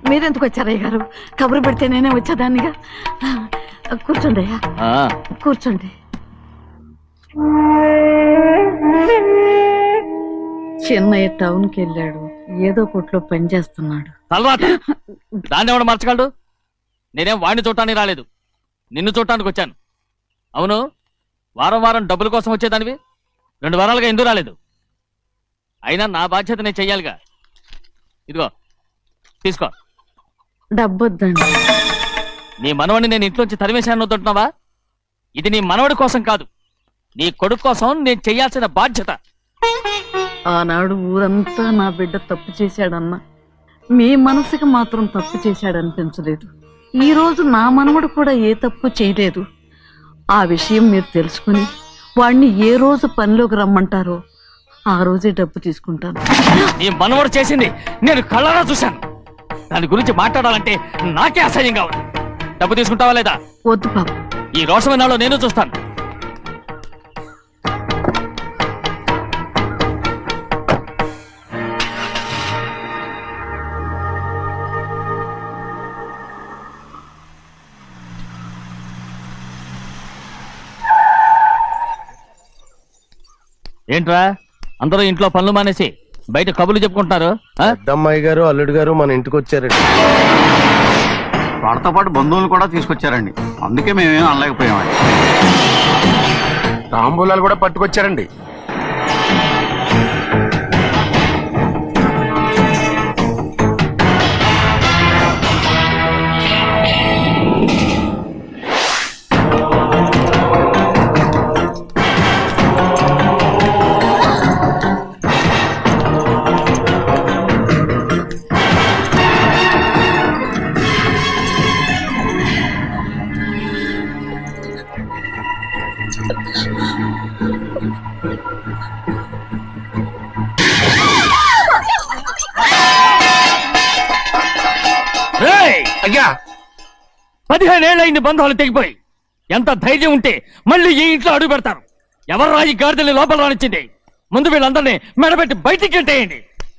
మీరెందుకు వచ్చారయ్య గారు? కబురు పెడితే నేనే వచ్చేదాన్నిగా. కూర్చోండి అయ్యా, కూర్చోండి. చిన్నయ్య టౌన్కి వెళ్ళాడు, ఏదో కొట్లో పని చేస్తున్నాడు. దాన్ని ఎవడు మర్చగలడు? నేనేం వాడిని చూడటానికి రాలేదు, నిన్ను చూడటానికి వచ్చాను. అవును, వారం వారం డబ్బుల కోసం వచ్చేదానివి 2 వారాలుగా ఎందుకు రాలేదు? అయినా నా బాధ్యత నేను చెయ్యాలిగా. ఇదిగో తీసుకో. డబ్బొద్దండి. నీ మనవడిని నేను ఇంట్లోంచి తరిమేశాను వద్దంటున్నావా? ఇది నీ మనవడి కోసం కాదు, నీ కొడుకు కోసం నేను చెయ్యాల్సిన బాధ్యత. ఆనాడు ఊరంతా నా బిడ్డ తప్పు చేశాడన్నా, మీ మనసుకి మాత్రం తప్పు చేశాడనిపించలేదు. ఈ రోజు నా మనవడు కూడా ఏ తప్పు చేయలేదు. ఆ విషయం మీరు తెలుసుకుని వాణ్ణి ఏ రోజు పనిలోకి రమ్మంటారో ఆ రోజే డబ్బు తీసుకుంటాను. నీ మనవడు చేసింది నేను కళ్ళారా చూశాను. దాని గురించి మాట్లాడాలంటే నాకే అసహ్యంగా ఉంది. డబ్బు తీసుకుంటావా లేదా? వద్దు బాబు, ఈ రోషమైనాలో నేను చూస్తాను. ఏంట్రా అందరూ ఇంట్లో పనులు మానేసి బయట కబుర్లు చెప్పుకుంటున్నారు? పెద్దమ్మాయి గారు అల్లుడు గారు మన ఇంటికి వచ్చారండి. వాళ్ళతో పాటు బంధువులు కూడా తీసుకొచ్చారండి, అందుకే మేమేం అనలేకపోయామండి. తాంబూలాలు కూడా పట్టుకొచ్చారండి. అయ్యా 15 ఏళ్ళయింది బంధాలు తెగిపోయి. ఎంత ధైర్యం ఉంటే మళ్ళీ ఈ ఇంట్లో అడుగు పెడతారు? ఎవరు రాయి గాడిదల్ని లోపల రానిచ్చింది? ముందు వీళ్ళందరినీ మెడబెట్టి బయటికి గెంటేయండి.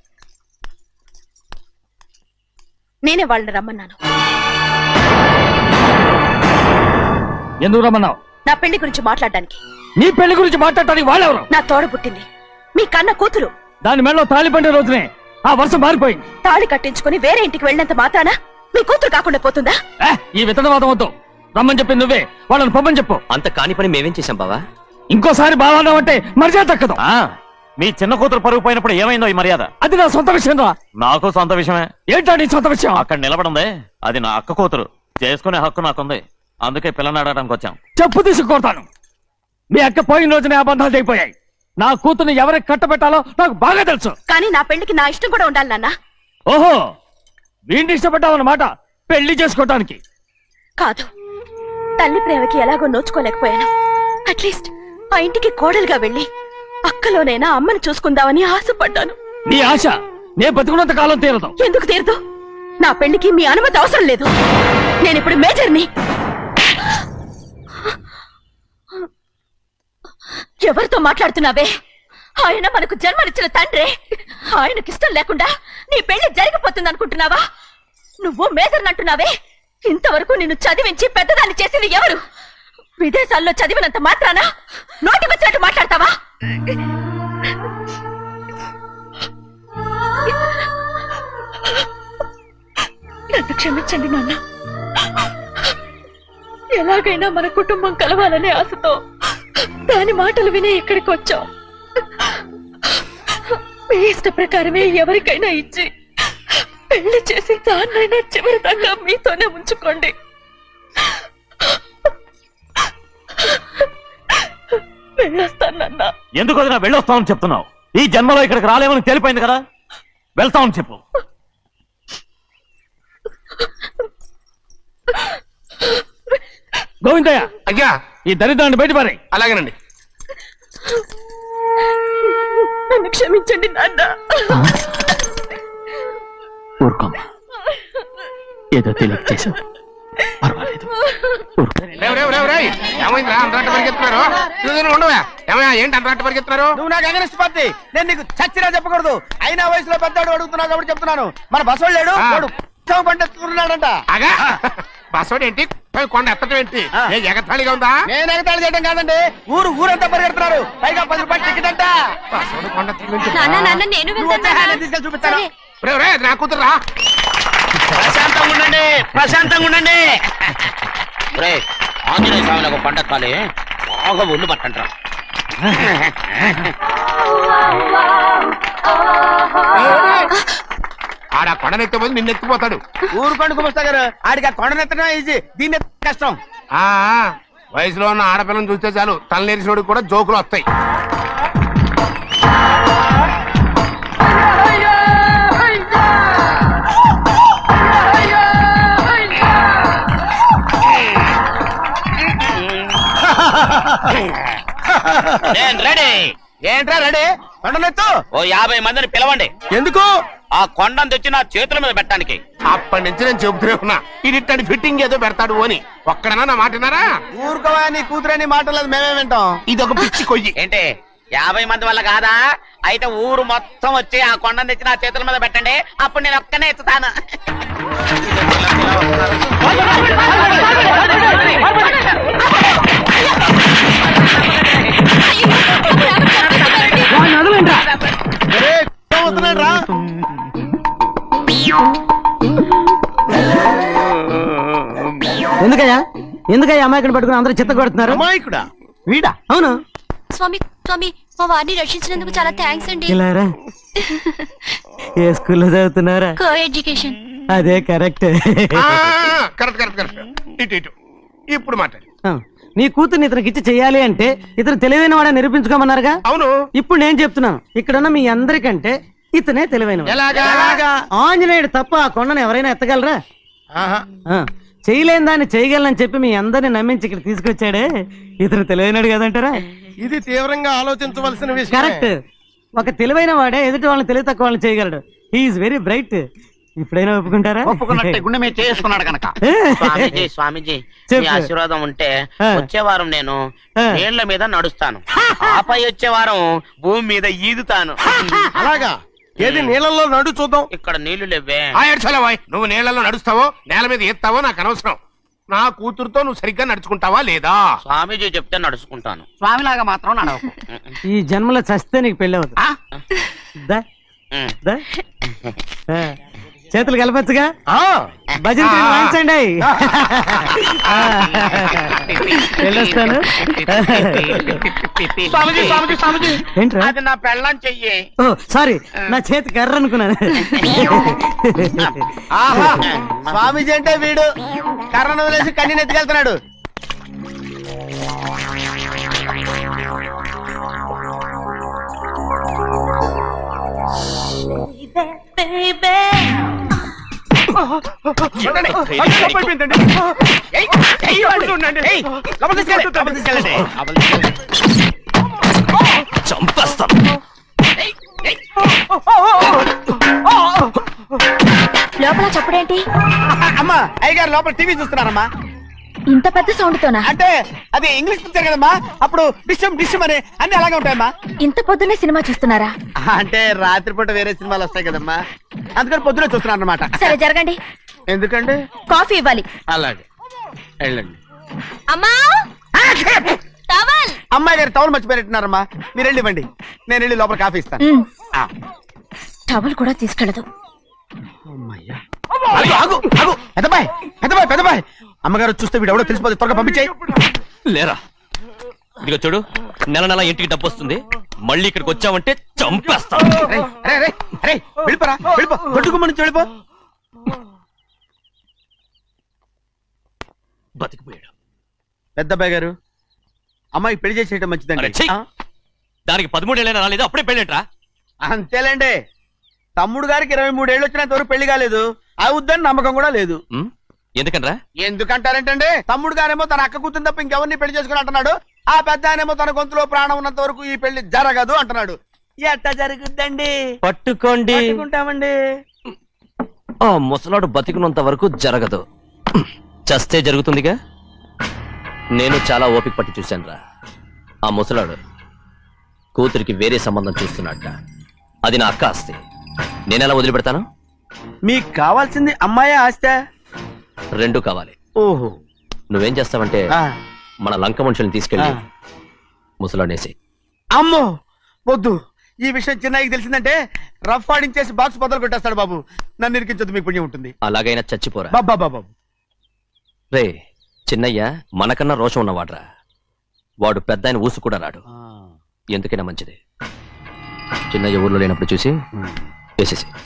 నేనే వాళ్ళని రమ్మన్నాను. ఎందుకు రమ్మన్నావు? నా పెళ్లి గురించి మాట్లాడడానికి. నీ పెళ్లి గురించి మాట్లాడటానికి వాళ్ళెవరు? నా తోడ పుట్టింది, మీ కన్న కూతురు. దాని మెడలో తాళి పండే రోజునే ఆ వర్షం మారిపోయింది. తాళి కట్టించుకుని వేరే ఇంటికి వెళ్ళినంత మాత్రాన మీ కూతురు కాకుండా పోతుందా? ఈ విత్తనవాదం వద్దు. రమ్మని చెప్పి నువ్వే వాళ్ళని పంపని చెప్పు. అంత కాని పని మేమేం చేశాం బావా? ఇంకోసారి బావాన్నావు అంటే మర్యాద తక్కదు. మీ చిన్న కూతురు పరుగు పోయినప్పుడు ఏమైందో ఈ మర్యాద? అది నా సొంత విషయం రా. నాకు సొంత విషయమే. ఏంటా నీ సొంత విషయం? అక్కడ నిలబడిందే అది నా అక్క కూతురు, చేసుకునే హక్కు నాకుంది. అందుకే పిల్లని అడగడానికి వచ్చాం. చెప్పు తీసుకొడతాను. మీ అక్క పోయిన రోజునే అబద్ధాలు తెగిపోయాయి. నా కూతుర్ని ఎవరికి కట్టబెట్టాలో నాకు బాగా తెలుసు. కానీ నా పెళ్లికి నా ఇష్టం కూడా ఉండాలి నాన్న. ఓహో, వీడిని ఇష్టపడ్డావన్నమాట పెళ్లి చేసుకోవటానికి? కాదు, తల్లి ప్రేమకి ఎలాగో నోచుకోలేకపోయాను. అట్లీస్ట్ ఆ ఇంటికి కోడలుగా వెళ్ళి అక్కలోనైనా అమ్మని చూసుకుందామని ఆశపడ్డాను. నీ ఆశ నే బతుకున్నంత కాలం తీరదు. ఎందుకు తీరదు? నా పెళ్లికి మీ అనుమతి అవసరం లేదు. నేనిప్పుడు మేజర్ని. ఎవరితో మాట్లాడుతున్నావే? ఆయన మనకు జన్మనిచ్చిన తండ్రే. ఆయనకిష్టం లేకుండా నీ పెళ్లి జరిగిపోతుంది అనుకుంటున్నావా? నువ్వు మేజర్ అంటున్నావే, ఇంతవరకు నిన్ను చదివించి పెద్దదాన్ని చేసింది ఎవరు? విదేశాల్లో చదివినంత మాత్రాన నోటి వచ్చినట్టు మాట్లాడతావా? నన్ను క్షమించండి నాన్న. ఎలాగైనా మన కుటుంబం కలవాలనే ఆశతో దాని మాటలు వినే ఇక్కడికి వచ్చాం. మీ ఇష్ట ప్రకారమే ఎవరికైనా ఇచ్చి పెళ్లి చేసి దాన్నైనా చివరి దాకా మీతోనే ఉంచుకోండి. వెళ్ళొస్తానన్నా. ఎందుకు వదినా వెళ్ళొస్తామని చెప్తున్నావు? ఈ జన్మలో ఇక్కడికి రాలేమని తెలిపోయింది కదా, వెళ్తామని చెప్పు. గోవిందయ్య, అయ్యా ఈ దరిద్రాన్ని బయటపడే. అలాగేనండి. నన్ను క్షమించండి నాన్న. ఊరుకోమ్మా, ఏదో తెలియక చేసావు, పర్వాలేదు. ఏమైందిరా అంతరాట పరిగెత్తున్నారు? ఉండవా ఏమయ్యా, ఏంటి అంతరాట పరిగెత్తున్నారు? నువ్వు నాకు అగనిస్ట్ పార్టీ, నేను నీకు చచ్చినా చెప్పకూడదు. అయినా వయసులో పెద్దవాడు అడుగుతున్నావు కాబట్టి చెప్తున్నాను. మన బసవాడు లేడు. పండిస్తున్నాడంట. అగా బస్సోడు ఏంటి కొండ ఎత్తడం ఏంటి ఏ ఎగతాళిగా ఉందా? నేను ఎగతాళి చేయడం కాదండి, ఊరంతా పరిగెడుతున్నారు. పైగా 10 రూపాయలు టికెట్ అంట. బస్సోడు కొండ ఎత్తడం నేను నువ్వు వచ్చే ఆయన తీసుకెళ్ళి చూపిస్తాను. నా కూతురా ప్రశాంతంగా ఉండండి, ప్రశాంతంగా ఉండండి. ఆంజనేయ స్వామిని ఒక పంట కాలే బాగా ఒళ్ళు పట్టంటారా. ఆడ కొండనెత్తిపోతే నిన్నెత్తిపోతాడు. ఊరుకోండి కుమస్తా గారు, ఆడికి ఆ కొండనెత్తడం ఈజీ, దీన్ని కష్టం. ఆ వయసులో ఉన్న ఆడపిల్లని చూస్తే చాలు తలనేరిసినోడికి కూడా జోకులు వస్తాయి. నేను రెడీ. ఏంట్రా రెడీ? కొండనెత్తు. ఓ 50 మందిని పిలవండి. ఎందుకు? ఆ కొండను తెచ్చి నా చేతుల మీద పెట్టడానికి. అప్పటి నుంచి నేను చెబుతూనే ఉన్నా ఇది ఫిట్టింగ్ ఏదో పెడతాడు అని. ఒక్కడనా నా మాటనారా? ఊరుకోవా, నీ కూతురని మాటలేదు, మేమే వింటాం. ఇది ఒక పిచ్చి కొయ్యి. ఏంటి 50 మంది వల్ల కాదా? అయితే ఊరు మొత్తం వచ్చి ఆ కొండను తెచ్చి నా చేతుల మీద పెట్టండి, అప్పుడు నేను ఒక్కనే ఎత్తుతాను. వస్తున్నాడు రా. ఎందుకయ్యా అమాయకుని పట్టుకుని అందరూ చిత్త కొడుతున్నారు? అమాయకుడా? వీడా? అవును. స్వామి స్వామి, మా వారిని రక్షించినందుకు చాలా థ్యాంక్స్ అండి. ఇలారా ఏ స్కూల్లో చదువుతున్నారా? Co education. అదే కరెక్ట్. Correct correct correct. ఇటు ఇప్పుడు మాట్లాడు. నీ కూతుర్ని ఇతనికి ఇచ్చి చెయ్యాలి అంటే ఇతను తెలివైన వాడని నిరూపించుకోమన్నారుగా. అవును. ఇప్పుడు నేను చెప్తున్నాను, ఇక్కడున్న మీ అందరికంటే ఇతనే తెలివైన. ఎలాగా? ఆంజనేయుడు తప్ప ఆ కొండను ఎవరైనా ఎత్తగలరా? చేయలేని దాన్ని చేయగలనని చెప్పి మీ అందరిని నమ్మించి ఇక్కడ తీసుకొచ్చాడే, ఇతను తెలివైనడు కదంటారా? ఇది తీవ్రంగా ఆలోచించవలసిన విషయం. కరెక్ట్. ఒక తెలివైన వాడే ఎదుటి వాళ్ళని తెలివి తక్కువ వాళ్ళని చేయగలడు. He is very bright. ఇప్పుడైనా ఒప్పుకుంటారా? ఒప్పుకున్నట్టే గుండె మీద చేసుకున్నాడు కనుక. స్వామీజీ స్వామీజీ, మీ ఆశీర్వాదం ఉంటే వచ్చే వారం నేను నీళ్ల మీద నడుస్తాను, ఆపై వచ్చే వారం భూమి మీద ఈదుతాను. అలాగా? ఏది నీళ్ళల్లో నడు చూద్దాం. ఇక్కడ నీళ్లు లేవే. నువ్వు నీళ్లలో నడుస్తావో నేల మీద ఎత్తావో నాకు అనవసరం. నా కూతురుతో నువ్వు సరిగ్గా నడుచుకుంటావా లేదా? స్వామీజీ చెప్తే నడుచుకుంటాను. స్వామిలాగా మాత్రం నడవకు. ఈ జన్మలో చస్తే నీకు పెళ్ళి అవుతుంది. దా, దా. చేతులు కలపచ్చుగా. భజన వాయించండి. వెళ్ళొస్తాను. స్వామీజీ స్వామీజీ స్వామీజీ, ఏంట్రా? అది నా పెళ్ళం చెయ్యి. ఓ సారీ, నా చేతి కర్ర అనుకున్నాను. ఆహా, స్వామీజీ అంటే వీడు కర్రను వదిలేసి కన్నీని ఎత్తుకెళ్తున్నాడు. చంపేస్తాను. లోపల చప్పుడేంటి? అమ్మా, అయ్యగారు లోపల టీవీ చూస్తున్నారమ్మా. ఇంత పెద్ద సౌండ్ తోనా? అంటే అది ఇంగ్లీష్ పిక్చర్ కదమ్మా, అప్పుడు డిషమ్ డిషమ్ అని అన్ని అలాగే ఉంటాయమ్మా. ఇంత పొద్దున్నే సినిమా చూస్తున్నారా? అంటే రాత్రిపూట వేరే సినిమాలు వస్తాయి కదమ్మా, అందుకని పొద్దునే చూస్తున్నాను అనమాట. సరే జరగండి. ఎందుకంటే కాఫీ ఇవ్వాలి. అలాగే వెళ్ళండి. అమ్మా, టవల్. అమ్మాయి గారు టవల్ మర్చిపోయినట్టున్నారమ్మా, మీరు వెళ్ళి ఇవ్వండి, నేను వెళ్ళి లోపల కాఫీ ఇస్తాను. టవల్ కూడా తీసుకెళ్ళదు. పెద్దబాయ్ పెద్దబాయ్ పెద్దబాయ్, అమ్మగారు చూస్తే వీడు ఎవడో తెలిసిపోతే త్వరగా పంపించాయి. లేరా, ఇదిగో చూడు, నెల నెల ఇంటికి డబ్బు వస్తుంది, మళ్ళీ ఇక్కడికి వచ్చావంటే చంపేస్తాను. వెళ్ళిపోరా, వెళ్ళిపో, దొడ్డుకుమ్మ నుంచి వెళ్ళిపో. బతికిపోయాడు. పెద్దబాయ్ గారు, అమ్మాయి పెళ్లి చేసేయటం మంచిదండి. దానికి 13 ఏళ్ళైనా రాలేదు, అప్పుడే పెళ్ళేంట్రా? అంతేలేండి, తమ్ముడు గారికి 23 ఏళ్ళు వచ్చినంత వరకు పెళ్లి కాలేదు, అవుద్దని నమ్మకం కూడా లేదు. ఎందుకనరా? ఎందుకంటారేంటండి, తమ్ముడు గారేమో తన అక్క కూతురు తప్ప ఇంకెవరిని పెళ్లి చేసుకుని అంటున్నాడు, ఆ పెద్ద ఆయనేమో తన గొంతులో ప్రాణం ఉన్నంత వరకు ఈ పెళ్లి జరగదు అంటున్నాడు. ఎట్ట జరుగుద్దండి? పట్టుకోండి. పట్టుకుంటామండి. ఆ ముసలాడు బతికినంత వరకు జరగదు, చస్తే జరుగుతుందిగా. నేను చాలా ఓపిక పట్టి చూశానురా. ఆ ముసలాడు కూతురికి వేరే సంబంధం చూస్తున్నట్ట. అది నా అక్క ఆస్తి, నేనెలా వదిలిపెడతాను? మీకు కావాల్సింది అమ్మాయా ఆస్తా? రెండు కావాలి. ఓహో. నువ్వేం చేస్తావంటే ఆ. మన లంక మనుషుల్ని తీసుకెళ్ళి ఆ. ముసలాడేసి. అమ్మో వద్దు, ఈ విషయం చిన్నయ్యకి తెలిసిందంటే రఫ్ ఆడించేసి బాక్స్ బదులు కొట్టేస్తాడు బాబు. నన్ను ఇరికించొద్దు, మీకు పుణ్యం ఉంటుంది. అలాగైనా చచ్చిపోరా. బాబా బాబు. రే చిన్నయ్య మనకన్నా రోషం ఉన్నవాడ్రా. వాడు పెద్ద ఆయన ఊసు కూడా రాడు. ఎందుకైనా మంచిది చిన్నయ్య ఊర్లో లేనప్పుడు చూసి వేసేసి.